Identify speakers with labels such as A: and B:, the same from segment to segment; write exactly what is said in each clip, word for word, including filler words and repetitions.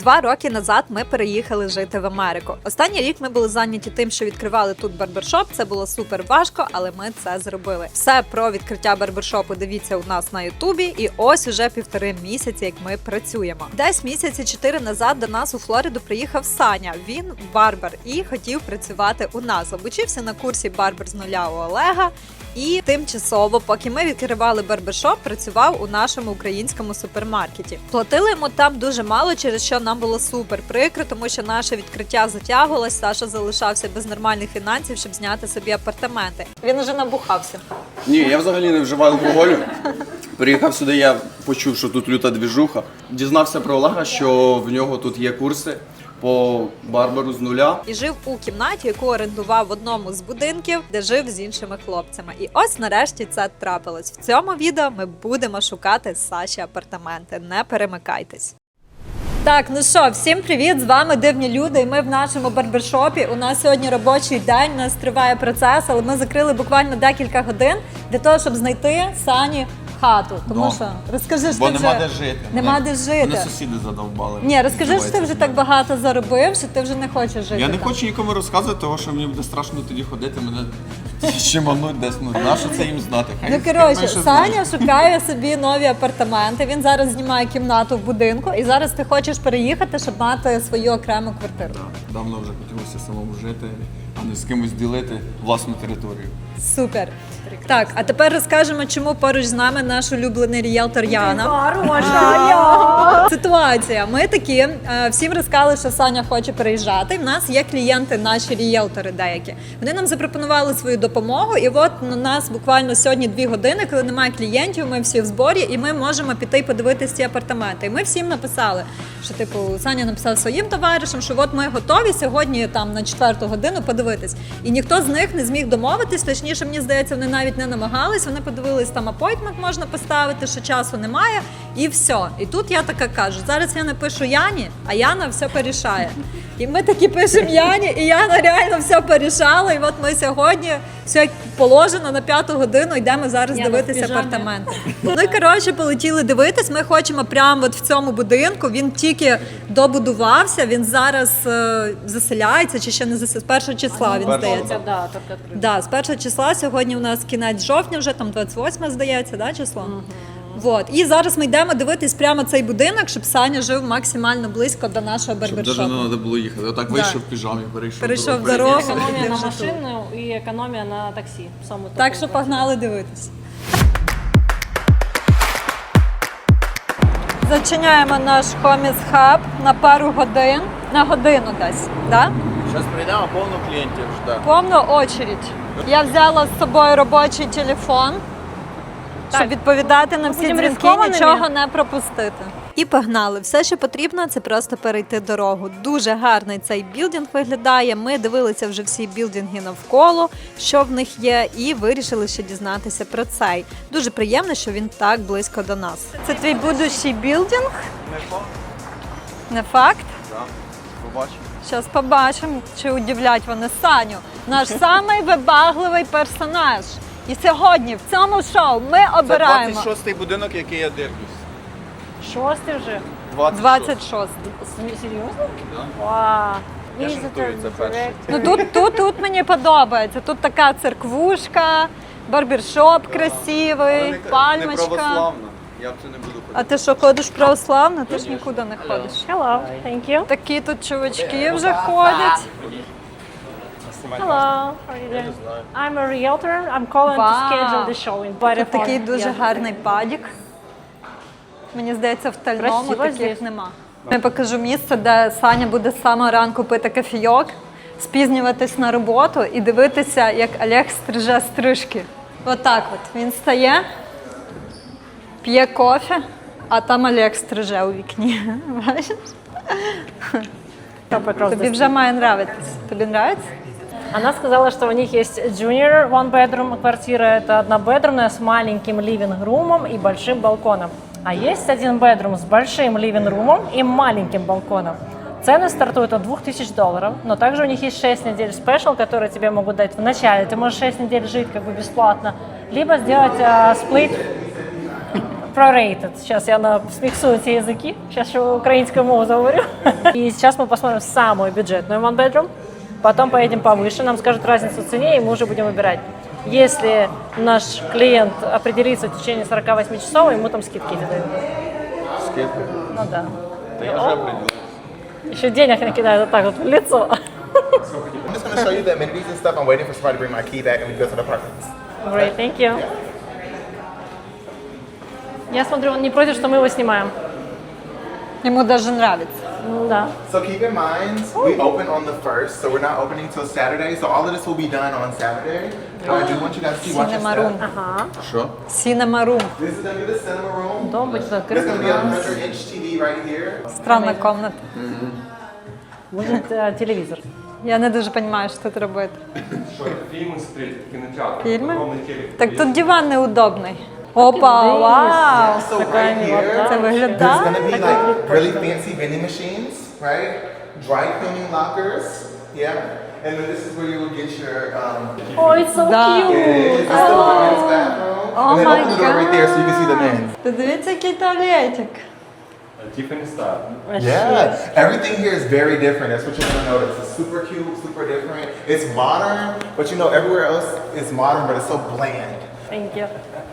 A: Два роки назад ми переїхали жити в Америку. Останній рік ми були зайняті тим, що відкривали тут барбершоп. Це було супер важко, але ми це зробили. Все про відкриття барбершопу дивіться у нас на ютубі. І ось уже півтори місяці, як ми працюємо. Десь місяці чотири назад до нас у Флориду приїхав Саня. Він барбер і хотів працювати у нас. Обучився на курсі барбер з нуля у Олега. І тимчасово, поки ми відкривали барбершоп, працював у нашому українському супермаркеті. Платили йому там дуже мало, через що нам було супер прикро, тому що наше відкриття затягувалось, Саша залишався без нормальних фінансів, щоб зняти собі апартаменти. Він уже набухався.
B: Ні, я взагалі не вживаю алкоголю. Приїхав сюди, я почув, що тут люта двіжуха. Дізнався про Олега, що в нього тут є курси по барберу з нуля.
A: І жив у кімнаті, яку орендував в одному з будинків, де жив з іншими хлопцями. І ось нарешті це трапилось. В цьому відео ми будемо шукати Саші апартаменти. Не перемикайтесь. Так, ну що, всім привіт, з вами Дивні люди, і ми в нашому барбершопі. У нас сьогодні робочий день, у нас триває процес, але ми закрили буквально декілька годин для того, щоб знайти Сані хату. Тому
B: Ну,
A: що, розкажи, що
B: Бо
A: ти
B: нема
A: вже...
B: де жити.
A: Нема
B: Мене-
A: де жити.
B: Мене сусіди задовбали.
A: Ні, розкажи, що ти
B: Здавайте
A: вже
B: собі.
A: так багато заробив, що ти вже не хочеш жити
B: Я не
A: там.
B: хочу нікому розказувати, тому що мені буде страшно тоді ходити, мене щемануть десь. Ну, нащо це їм знати? Хай,
A: Ну,
B: хай
A: коротше,
B: менше
A: Саня
B: знають.
A: шукає собі нові апартаменти. Він зараз знімає кімнату в будинку, і зараз ти хочеш переїхати, щоб мати свою окрему квартиру.
B: Давно вже хотілося самому жити, а не з кимось ділити власну територію.
A: Супер. Так, а тепер розкажемо, чому поруч з нами наш улюблений ріелтор Яна. Ситуація. Ми такі, е, всім розказали, що Саня хоче переїжджати. В нас є клієнти, наші ріелтори деякі. Вони нам запропонували свою допомогу, і от у нас буквально сьогодні дві години, коли немає клієнтів, ми всі в зборі, і ми можемо піти і подивитися ці апартаменти. І ми всім написали, що типу Саня написав своїм товаришам, що от ми готові сьогодні там на четверту годину подивитись. І ніхто з них не зміг домовитись, точніше, мені здається, вони навіть не намагались, вони подивились, там апойтмент можна поставити, що часу немає, і все. І тут я така кажу, зараз я напишу Яні, а Яна все порішає. І ми такі пишемо Яні, і Яна реально все порішала, і от ми сьогодні, все як положено, на п'яту годину йдемо зараз
C: Яна в
A: дивитися
C: піжамі.
A: апартаменти. Ну і коротше, полетіли дивитись, ми хочемо прямо от в цьому будинку, він тільки добудувався, він зараз е, заселяється, чи ще не заселяється, з першого числа, він здається.
C: Да, только открыто.
A: Да, з першого числа, сьогодні у нас кінець жовтня, вже там двадцять восьме, здається, да, число? Угу. Вот. І зараз ми йдемо дивитись прямо цей будинок, щоб Саня жив максимально близько до нашого
B: Щоб навіть
A: барбершопу.
B: не треба було їхати. Отак
A: Да.
B: вийшов в піжамі, перейшов,
A: Перейшов
B: дорогу.
A: дорогу.
C: Экономия на
A: Держи
C: машину и экономия на такси. Самый
A: Так
C: топовый
A: що
C: вариант.
A: погнали дивитись. Зачиняємо наш Хоміс Хаб на пару годин, на годину десь, да?
B: Зараз прийдемо, повно клієнтів жде.
A: Повна очередь. Я взяла з собою робочий телефон, щоб
C: Так.
A: відповідати на всі
C: Будемо
A: дзвінки,
C: ризикованими?
A: нічого не пропустити. І погнали. Все, що потрібно, це просто перейти дорогу. Дуже гарний цей білдинг виглядає. Ми дивилися вже всі білдинги навколо, що в них є, і вирішили ще дізнатися про цей. Дуже приємно, що він так близько до нас. Це твій будущий білдинг?
B: Не факт?
A: Не факт?
B: Так. Побачимо.
A: Зараз побачимо, чи удивлять вони Саню. Наш самий вибагливий персонаж. І сьогодні в цьому шоу ми
B: Це
A: обираємо
B: двадцять шостий будинок, який я дивлюсь.
C: Шостый уже?
A: двадцять шостий.
C: С- Серьезно?
B: Да.
C: Вау.
B: Я
C: Visitor
B: жартую, це перший.
C: direct.
A: Ну тут, тут, тут мені подобається. Тут така церквушка, барбершоп красивий,
B: Не
A: пальмочка.
B: православна. Я в це не буду
A: А
B: ходити.
A: ти що, ходиш православно? Ти ж нікуди не ходиш.
C: Hello, thank you.
A: Такі тут чувачки вже ходять.
C: Hello, how are you doing? I'm a realtor. I'm calling
A: Wow.
C: to schedule the show in Bari
A: Тут такий
C: Farm.
A: дуже
C: Yeah.
A: гарний падік. Мені здається, в Тальному
C: Красиво
A: таких
C: здесь.
A: нема. Я покажу місце, де Саня буде з самого ранку пити кофійок, спізнюватись на роботу і дивитися, як Олег стриже стрижки. Отак от. Він стає, п'є кофе, а там Олег стриже у вікні. Бачиш? Тобі вже має нравитись. Тобі нравиться?
C: Она сказала, что у них есть junior one bedroom квартира, это однобедрумная с маленьким living-румом и большим балконом. А есть один bedroom с большим living-румом и маленьким балконом. Цены стартуют от двух тысяч долларов, но также у них есть шесть недель спешл, которые тебе могут дать в начале. Ты можешь шесть недель жить как бы бесплатно, либо сделать э, сплит prorated. Сейчас я на смиксую эти языки. Сейчас еще украинскую мову заговорю. И сейчас мы посмотрим самую бюджетную one bedroom. Потом поедем повыше, нам скажут разницу в цене, и мы уже будем выбирать. Если наш клиент определится в течение сорок восемь часов, ему там скидки эти дают.
B: Скидка?
C: Ну да.
B: Та я вже определив.
C: Еще денег накидают вот так вот в лицо.
D: I'm just going to show you the amenities and stuff. I'm waiting for somebody to bring my key back and we go to the apartments.
C: Great, thank you. Я смотрю, он не против, что мы его снимаем.
A: Йому даже нравится.
C: Ну да.
D: So keep in mind, we open on the first, so we're not opening till Saturday. So all of this will be done on Saturday. But I do want you guys to see, watch your
A: Cinema room.
D: step.
C: Ага.
B: Що?
A: Cinema room.
D: This is going to be the cinema room.
C: Дом будет
D: There's
C: открыт.
D: going to be a one hundred inch T V right here.
A: Странна комната.
C: Будет э, телевизор.
A: Я не дуже розумію, що тут робити.
E: Что это фильмы смотреть, кинотеатр.
A: Фільми?
E: Огромный телек.
A: Так тут диван неудобний. Опа, вау!
D: So right here,
A: Це
D: there's
A: виглядає.
D: going to be like really fancy vending machines, right? Dry cleaning lockers, yeah. And then this is where you will get your um,
C: Oh, it's so
A: Да.
D: This
C: cute.
D: is the women's bathroom.
A: Oh
D: and then
A: my
D: open the door right there so you can see the men's.
A: Подивіться, який туалетик.
E: Tiffany Star.
D: Yeah, everything here is very different. That's what you're gonna notice. It's super cute, super different. It's modern, but you know everywhere else is modern, but it's so bland.
C: Thank you.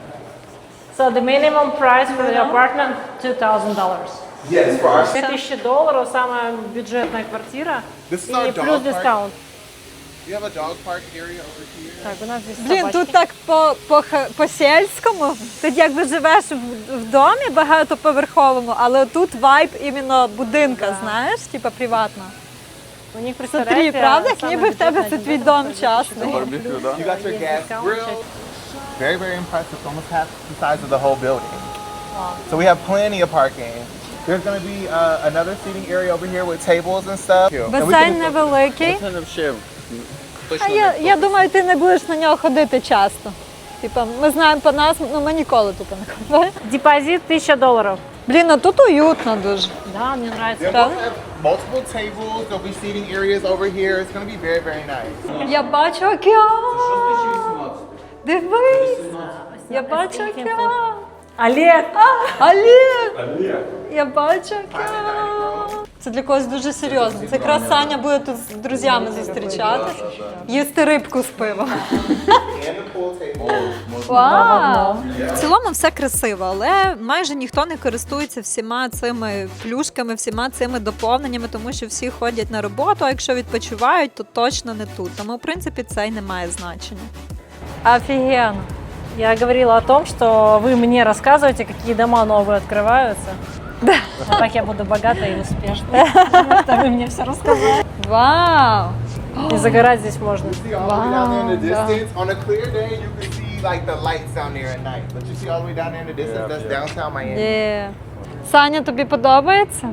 C: So the minimum price for the apartment two thousand dollars.
D: Yes, for our
C: две тысячи долларов самая бюджетная квартира.
D: This is our
C: И плюс
D: dog park.
C: дискаунт.
D: We have a dog park area over here.
C: Так, у нас здесь
A: Блін,
C: собачки.
A: тут так по, по, х- по-сільському. Тут якби живеш в, в домі багатоповерховому, але тут вайб іменно будинка, знаєш, типа приватно.
C: У них,
A: Смотри,
C: представляете,
A: правда, як
C: самая
A: ніби в тебе
C: бюджетная
A: це твій
C: аренда
A: дом
C: стоит
A: частний.
B: Барбекю, да?
D: You got your
C: Есть
D: gas
C: дискаунт,
D: grill.
C: часть.
D: Very, very impressive. Almost half the size of the whole building. So we have plenty of parking. There's gonna be uh, another seating area over here with tables and stuff. And we
A: Басейн
D: can-
A: невеликий.
B: Це не взагалі
A: А
B: точно
A: я,
B: не
A: я думаю, ти не будеш на нього ходити часто. Типа, ми знаємо по нас, ну ми ніколи тут не ходили.
C: Депозит тысяча долларов.
A: Блін, ну тут уютно дуже.
C: Да, мне нравится.
D: Yeah,
A: Правда?
D: we'll have multiple tables. There'll be seating areas over here. It's gonna be very, very nice.
A: Я бачу океан. Дивись. Я бачу океан.
C: Олег!
A: Олег!
E: Олег.
A: Я бачу океан. Це для когось дуже серйозно. Це якраз Саня буде тут з друзями зустрічатись, їсти рибку з пивом.
D: And the pool table.
A: Вау! В цілому все красиво, але майже ніхто не користується всіма цими плюшками, всіма цими доповненнями, тому що всі ходять на роботу, а якщо відпочивають, то точно не тут. Тому, в принципі, це й не має значення. Офігенно.
C: Я говорила о том, что вы мне рассказываете, какие дома новые открываются. Да. Вот так я буду богатой и успешной. Это вы мне все рассказали.
A: Вау!
C: И загорать здесь можно.
D: See all the way down there in the distance. On a clear day, you can see like the lights down there at night. But you see all the way down there in the distance, that's downtown Miami.
A: Є. Саня, тобі подобається?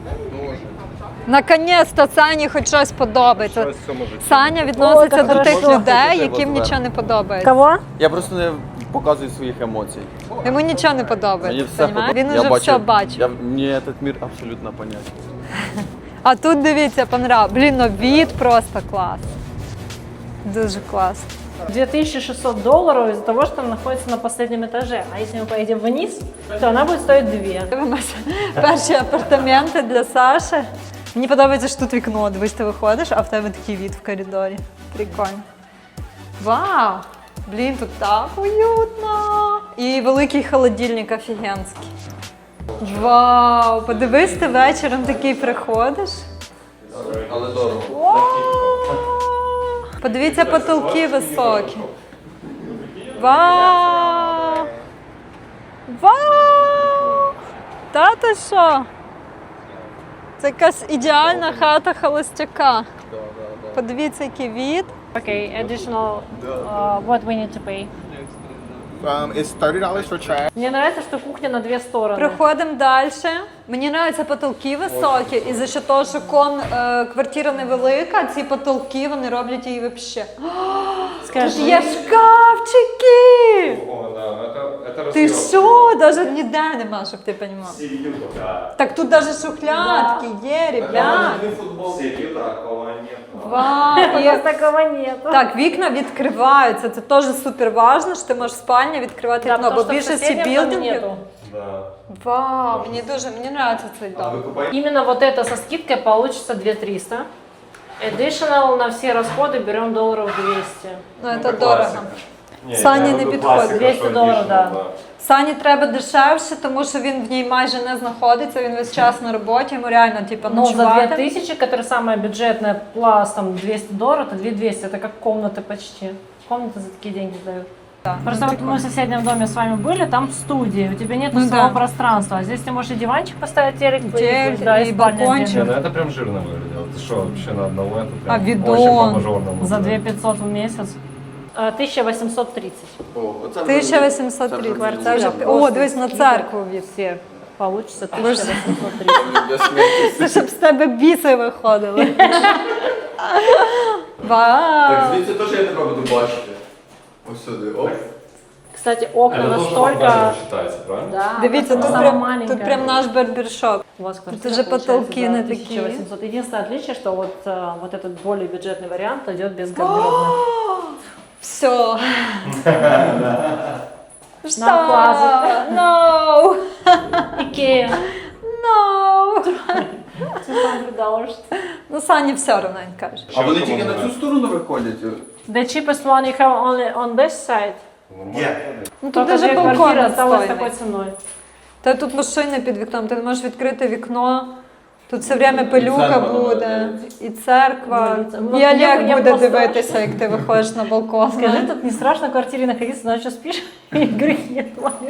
A: Наконець-то Сані хоч щось подобається. Саня відноситься
C: Ой,
A: до
C: як
A: тих
C: хорошо.
A: людей, яким нічого не подобається.
C: Кого?
B: Я просто не показую своїх емоцій.
A: Йому нічого не
B: Мені
A: подобається.
B: все
A: понімаєш?
B: подобається.
A: Він уже все бачив.
B: Я, мені цей мір абсолютно понятен.
A: А тут дивіться, понрав. Блін, ну від просто клас. Дуже клас.
C: две тысячи шестьсот долларов из-за того, что она находится на последнем этаже. А если мы поедем вниз, то она будет стоить две.
A: Дивимося перші апартаменти для Саші. Мені подобається, що тут вікно. Дивись, ти виходиш, а в тебе такий від в коридорі. Прикольно. Вау! Блін, тут так уютно. І великий холодильник офігенський. Вау! Подивись, ти вечором такий приходиш.
B: Але дорого.
A: Вау! Подивіться, потолки високі. Вау! Вау! Та ти що? Це якась ідеальна хата холостяка. Подивіться, який від.
C: Okay, additional, uh, what we need to pay.
D: Um, it's thirty dollars for trash.
C: Мне нравится, что кухня на две стороны.
A: Приходимо далі. Мені подобаються потолки високі, і за що того, що кон, е, квартира невелика, ці потолки вони роблять її взагалі. Тут
C: Скажи.
A: є шкафчики!
E: О, да, ну это, это
A: Ти
E: разъем.
A: що? Навіть ніде нема, щоб ти розумів.
E: Серью, да.
A: Так тут навіть шухлядки є, ребят.
E: Серью такого нет.
A: Вау!
C: У
A: І-
C: нас такого нету.
A: Так, вікна відкриваються. Це теж супер важливо, що ти можеш спальня відкривати
C: Да,
A: вікно,
C: потому
A: бо в
C: что в
A: більшості
C: соседнем доме
A: білдингів.
C: нету.
E: Да.
A: Вау, мені дуже мені подобається цей
E: А
A: дом.
E: вы купаете?
C: Именно вот это со скидкой получится две тысячи триста. Additional на все расходы берем долларов двести.
A: Ну,
E: Ну,
A: це
E: это
A: дорого.
E: классика. Не,
A: Сані
E: я
A: не
E: люблю
A: підходить.
E: классика,
C: двісті
E: что
C: долларов,
E: additional,
C: да.
A: Сані треба дешевше, тому що він в ній майже не знаходиться, він весь час на роботі, йому реально типу,
C: Но за две
A: ночувати.
C: тысячи, которая самая бюджетная, плюс там двести долларов, это две тысячи двести, это как комната почти. Комната за такие деньги дают.
A: Да,
C: Просто
A: ну,
C: вот мы в соседнем доме с вами были, там студия, у тебя нет
A: Ну
C: своего
A: да.
C: пространства. А здесь ты можешь и диванчик поставить, телек,
A: Телек,
C: да,
A: и
C: спальня
A: балкончик.
E: Не,
C: отдельно.
E: ну это прям жирно выглядело. Ты что, вообще на одного это
A: А
E: прям
A: видон?
E: очень по-мажорному.
C: За
E: да.
C: две тысячи пятьсот в месяц. А, тысяча восемьсот тридцать.
B: О, оце вже-
A: тисяча вісімсот
B: це вже
A: тридцять.
B: дуже
A: Це вже
C: Просто
A: о, дивись на церкву від.
C: Все получится тысяча восемьсот тридцать.
B: Без смерті.
A: Це щоб з тебе біси виходили.
B: Так,
A: Вау!
B: звідси теж я тебе буду бачити. Ось сюди, оп.
C: Кстати, окна
E: Это тоже
C: настолько...
E: даже считается, правильно?
C: Да,
A: Дивіться, тут
C: самая
A: прям,
C: маленькая.
A: тут прям наш барбершоп.
C: У вас квартира
A: уже
C: получается
A: потолки
C: за
A: не
C: тысяча
A: такие.
C: восемьсот. Единственное отличие, что вот, э, вот этот более бюджетный вариант идет без гардеробной.
A: Все. Что?
C: На класс.
A: No!
C: Икея.
A: No!
C: two hundred dollars.
A: Ну, Сані все одно він каже.
B: А вони тільки на цю сторону виходять?
C: The cheapest one you have only on this side.
D: Yeah.
A: Ну, тут
C: Только
A: даже
C: две
A: балкон
C: квартиры осталось
A: відстойний.
C: такой ценой.
A: Та тут машини під вікном, ти не можеш відкрити вікно. Тут все время пилюка
B: церква
A: буде, і церква,
C: Молиться.
A: і
C: Ну, я-
A: Олег
C: я
A: буде
C: просто-
A: дивитися, як ти виходиш на балкон.
C: Скажи, тут не страшно в квартире находиться, ночью спишь, и игры нет.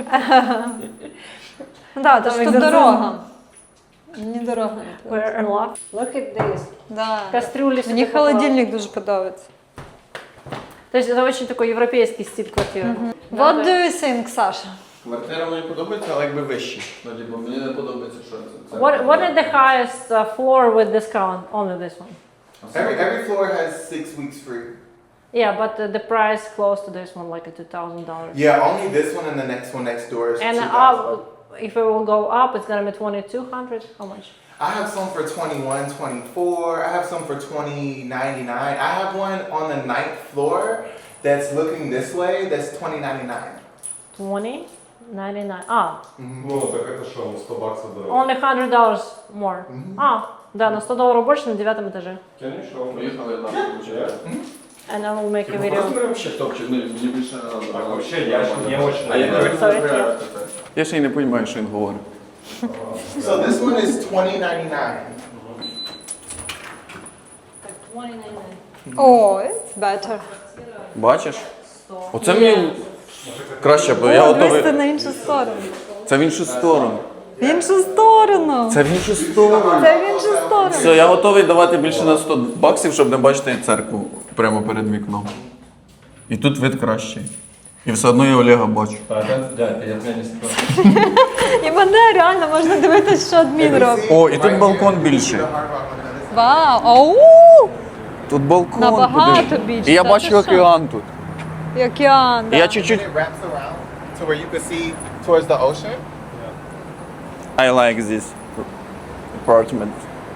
A: Да, то
C: Там
A: ж тут
C: екзорцизм.
A: дорога. Мені дорога.
C: We're unlocked. Look at this.
A: Да.
C: Кастрюли.
A: Мені
C: всё такое.
A: холодильник дуже подобається.
C: То есть это очень такой европейский стиль квартиры.
A: What do you think, Саша?
B: Квартира мені подобається, але якби вищі. Ну, типу, мені не подобається, що це.
C: What what is the highest uh, floor with discount? Only this one.
D: Every every floor has six weeks free.
C: Yeah, but uh, the price close to this one, like a two thousand dollars.
D: Yeah, only this one and the next one next door is
C: And
D: two thousand.
C: up, if it will go up, it's gonna be twenty two hundred. How much?
D: I have some for twenty-one, twenty-four. I have some for twenty ninety-nine. I have one on the ninth floor that's looking this way. That's twenty ninety-nine.
C: Twenty ninety nine. Ah,
E: Ну, так это что, ну сто баксов дорого.
C: only hundred dollars more. А, да, на сто долларов больше на девятом этаже.
E: Конечно.
B: Поїхали, так, виходить.
C: And I will make a
B: Просто
C: video.
B: беремо ще топчик, ну, мені більше не треба.
E: Так, вообще, я ж не очень
B: А я
E: нравится.
B: не
C: Sorry,
B: розбираю це. Я ще й не розумію, що він говорить.
D: So this one is twenty ninety-nine.
C: twenty ninety nine.
A: О, it's better.
B: Бачиш? Оце мені краще, бо я
A: О, дивись, ти
B: готовий.
A: на іншу сторону.
B: Це в іншу сторону.
A: В іншу сторону.
B: Це в іншу сторону.
A: Це в іншу сторону.
B: Все, я готовий давати більше на сто баксів, щоб не бачити церкву прямо перед вікном. І тут вид кращий. І все одно я Олега бачу.
E: А, это, да, это я тебя не согласен.
A: І мене реально можна дивитися, що адмін робить.
B: О, і тут балкон більший.
D: The hard rock on the other side.
A: Вау, оу,
B: Тут балкон.
A: Набагато
B: подивись.
A: більше,
B: І я
A: та
B: бачу
A: ти що?
B: океан тут.
A: і океан.
B: І
A: Да.
B: я чуть-чуть.
D: It wraps around to where you can see towards the ocean.
B: I like this apartment.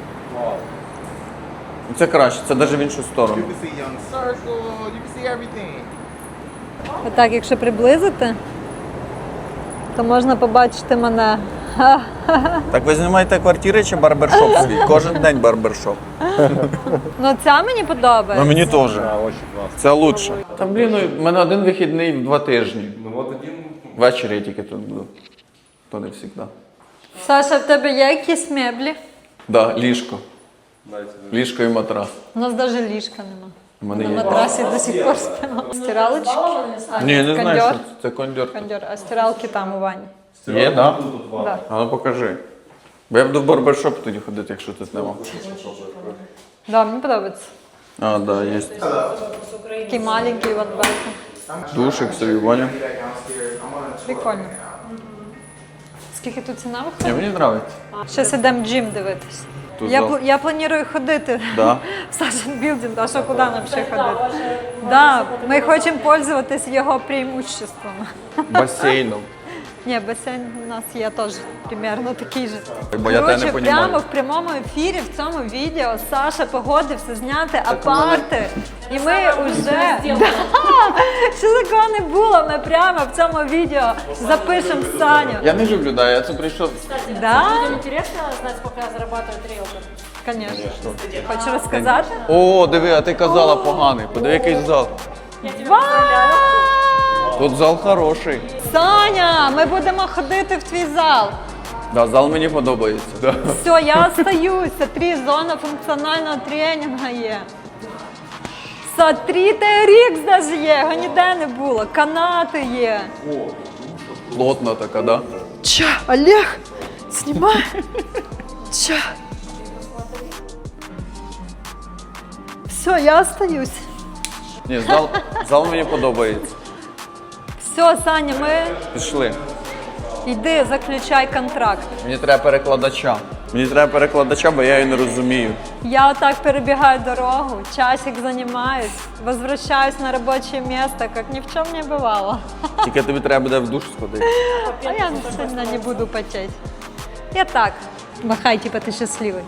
B: Це краще, це навіть в іншу
D: You
B: сторону.
D: can see Young Circle. You can see everything.
A: Отак, якщо приблизити, то можна побачити мене.
B: Так ви знімаєте квартири чи барбершоп свій? Кожен день барбершоп.
A: Ну ця мені
B: Ну
A: подобається.
B: мені теж.
E: Да, очень классно.
B: Це лучше. Та блін, ну, в мене один вихідний в два тижні.
E: Ну вот один...
B: Ввечері я тільки тут буду. То не завжди.
A: Саша, в тебе є якісь меблі?
B: Да, ліжко.
E: Дайте.
B: Ліжко і матрас.
A: У нас навіть ліжка нема.
B: У мене
A: На
B: є.
A: матрасі до сих пор спимо. Стиралочки? А,
B: Ні, не знаю, що
A: кондьор?
B: це. Це кондьор.
A: Кондьор. А стиралки там у ванні.
B: Є, да?
E: Тут ванна.
A: Да.
B: А ну покажи. Бо я буду в барбершоп тоді ходити, якщо тут нема.
A: Да, мені подобається.
B: А, да, є.
A: Такий маленький вон бачу.
B: Душик собі, Ваня.
D: Do that downstairs. I'm gonna.
A: Прикольно. Скільки тут ціна
B: Ні,
A: виходить?
B: мені подобається.
A: Щас ідемо джим дивитись.
B: Тут
A: Я,
B: зал.
A: пл- я планую ходити
B: Да.
A: в Сашин білдинг, а що куди нам ще ходити? Да, ми хочемо пользуватись його преимуществами.
B: Басейном.
A: Ні, басейн у нас є теж примерно такий же.
B: Бо я тебе не
A: Коротше,
B: понімаю.
A: прямо в прямому ефірі в цьому відео Саша погодився зняти
B: у мене-
A: апарти. І ми вже... Да! Що такого не було, ми прямо в цьому відео запишемо Саню.
B: Я не люблю, да, я це прийшов.
A: Да?
C: Людям интересно знать, сколько зарабатывает риэлтор?
A: Звісно. Хочеш розказати?
B: О, диви, а ти казала поганий. Подиви, який зал.
C: Я тебе поздравляю.
B: Тут зал хороший.
A: Саня, ми будемо ходити в твій зал.
B: Да, зал мені подобається. Да.
A: Все, я остаюся. Три зона функціонального тренінгу є. Смотри, Т Р Ікс навіть є, його ніде не було. Канати є.
B: Плотна така, да?
A: Ча, Олег, знімай. Ча. Все, я остаюсь.
B: Ні, зал, зал мені подобається.
A: Все, Саня, ми...
B: Пішли.
A: Йди, заключай контракт.
B: Мені треба перекладача. Мені треба перекладача, бо я її не розумію.
A: Я отак перебігаю дорогу, часик займаюсь, возвращаюсь на робоче место, как ни в чем не бывало.
B: Тільки тобі треба буде в душ сходити.
A: А я сильно не буду потеть. Я так, махай, типа ты счастливый.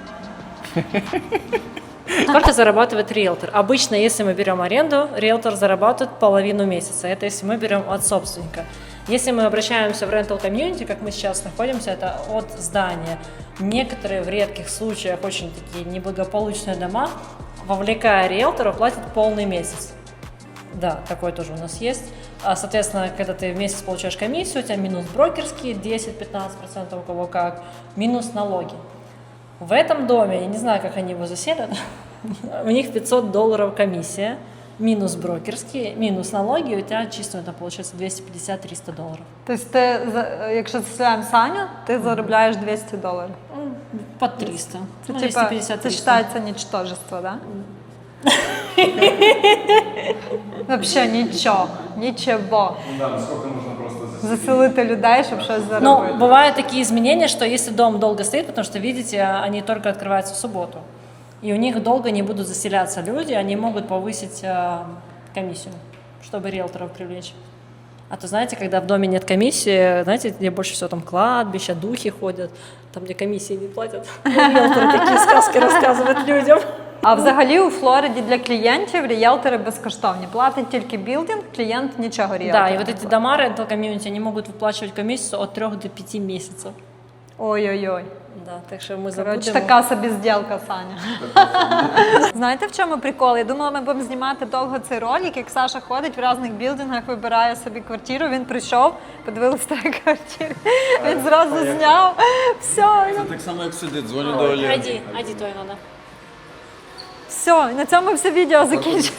C: Сколько зарабатывает риэлтор? Обычно, если мы берем аренду, риэлтор зарабатывает половину месяца. Это если мы берем от собственника. Если мы обращаемся в rental community, как мы сейчас находимся, это от здания. Некоторые в редких случаях очень такие неблагополучные дома, вовлекая риэлтора, платят полный месяц. Да, такой тоже у нас есть. А, соответственно, когда ты в месяц получаешь комиссию, у тебя минус брокерские десять-пятнадцать процентов у кого как, минус налоги. В этом доме, я не знаю, как они его заселят, у них пятьсот долларов комиссия, минус брокерские, минус налоги, у тебя чисто это получается двести пятьдесят - триста долларов.
A: Тобто ти, за- якщо заселяємо Саню, ти заробляєш двісті доларів.
C: Под триста.
A: Це,
C: Ну,
A: типа,
C: двести пятьдесят -
A: це
C: триста.
A: вважається нічтожество, да? Взагалі нічого, нічого. Заселити людей, щоб щось
C: Но
A: заробити.
C: бывают такие изменения, что если дом долго стоит, потому что, видите, они только открываются в субботу, и у них долго не будут заселяться люди, они могут повысить э, комиссию, чтобы риэлторов привлечь. А то, знаете, когда в доме нет комиссии, знаете, где больше всего там кладбища, духи ходят, там, где комиссии не платят, риэлторы такие сказки рассказывают людям.
A: А взагалі у Флориді для клієнтів ріелтори безкоштовні. Платить тільки білдинг, клієнт нічого ріелтора.
C: Да, и вот эти дома rental community, они могут выплачивать комиссию от трех до пяти месяцев.
A: Ой-ой-ой.
C: Да, так що ми
A: Коротше,
C: забудемо.
A: така собі зділка, Саня. Знаєте, в чому прикол? Я думала, ми будемо знімати довго цей ролик, як Саша ходить в різних білдингах, вибирає собі квартиру. Він прийшов, подивився на квартиру, він зразу зняв. Все,
B: Так само, як сюди, дзвоню до Олега.
C: Айди, айди, то надо.
A: все, і на цьому все відео закінчується.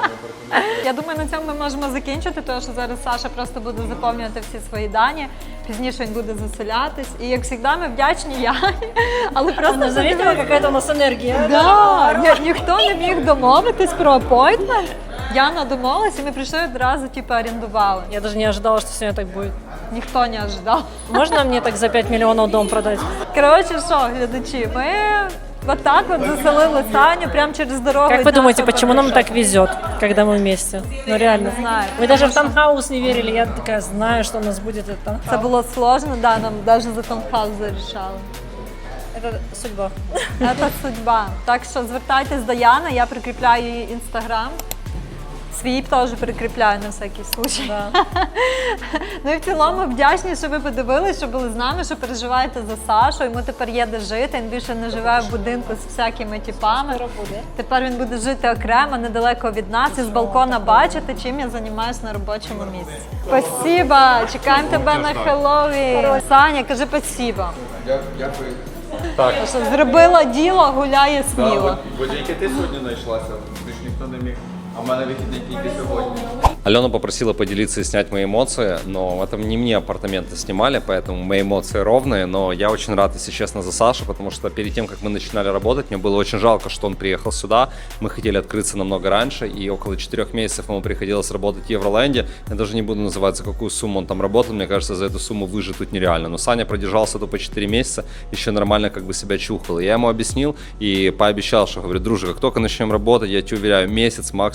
A: Я думаю, на цьому ми можемо закінчити, тому що зараз Саша просто буде заповнювати всі свої дані, пізніше він буде заселятись. І як завжди, ми вдячні Яні, але просто
C: Ну, заметила, какая-то у нас энергия.
A: Да, ні, ніхто не міг домовитись про апойтмент. Яна домовилась, і ми прийшли одразу, типу, орендували.
C: Я даже не ожидала, что сегодня так будет.
A: Ніхто не ожидав.
C: Можно мне так за пять миллионов дом продать?
A: Коротше, що, глядачі, ми от так от заселили Саню прямо через дорогу.
C: Как
A: від
C: вы думаете,
A: нашого
C: почему нам
A: бариша.
C: так везет, когда мы вместе? Ну реально.
A: Не знаю.
C: Вы даже в таунхаус не верили, я такая знаю, что у нас будет этот
A: Це
C: таунхаус.
A: було сложно, да, нам навіть за таунхаус зарішали.
C: Это судьба.
A: Це судьба. Так що звертайтесь до Яни, я прикріпляю її інстаграм. Свій теж прикріпляю на всякий случай.
C: Да.
A: Ну і в цілому вдячні, що ви подивилися, що були з нами, що переживаєте за Сашу. Йому тепер є де жити, він більше не живе в будинку з всякими типами. Тепер він буде жити окремо, недалеко від нас, і з балкона бачити, чим я займаюся на робочому місці. Спасибо! Чекаємо тебе на Хеллоуін. Саня, кажи спасибо.
B: Дякую.
A: Що зробила діло, гуляє сміло.
B: Бо тільки ти сьогодні знайшлася, більш ніхто не міг. А в мене вихідний тільки сьогодні.
E: Алена попросила поделиться и снять мои эмоции, но это не мне апартаменты снимали, поэтому мои эмоции ровные, но я очень рад, если честно, за Сашу, потому что перед тем, как мы начинали работать, мне было очень жалко, что он приехал сюда. Мы хотели открыться намного раньше, и около четырех месяцев ему приходилось работать в Евроленде. Я даже не буду называть, за какую сумму он там работал, мне кажется, за эту сумму выжить тут нереально. Но Саня продержался тут по четыре месяца, еще нормально как бы себя чухал. И я ему объяснил и пообещал, что, говорю, друже, как только начнем работать, я тебе уверяю, месяц максимум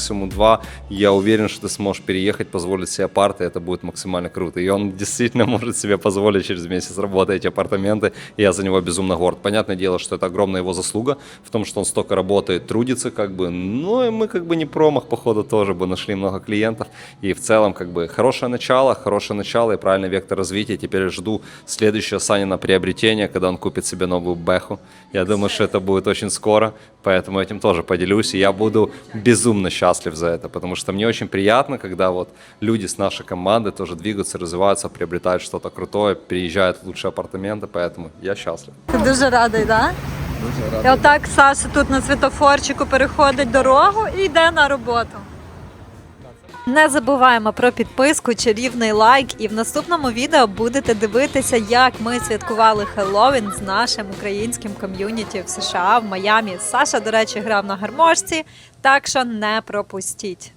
E: максимум два. Я уверен, что ты сможешь переехать, позволить себе апарты, это будет максимально круто. И он действительно может себе позволить через месяц работать эти апартаменты, и я за него безумно горд. Понятное дело, что это огромная его заслуга в том, что он столько работает, трудится, как бы, ну и мы как бы не промах, походу, тоже бы нашли много клиентов, и в целом, как бы, хорошее начало, хорошее начало и правильный вектор развития. Теперь жду следующее Санина приобретение, когда он купит себе новую Бэху. Я думаю, что это будет очень скоро, поэтому этим тоже поделюсь, и я буду безумно счастлив за это, потому что мне очень приятно, когда вот люди с нашей команды тоже двигаются, развиваются, приобретают что-то крутое, переезжают в лучшие апартаменты, поэтому я счастлив.
A: Ти дуже радий, так?
B: Дуже
A: І
B: радий.
A: отак Саша тут на світофорчику переходить дорогу і йде на роботу. Не забуваємо про підписку, чарівний лайк, і в наступному відео будете дивитися, як ми святкували Хеллоуін з нашим українським ком'юніті в США, в Майамі. Саша, до речі, грав на гармошці, так що не пропустіть.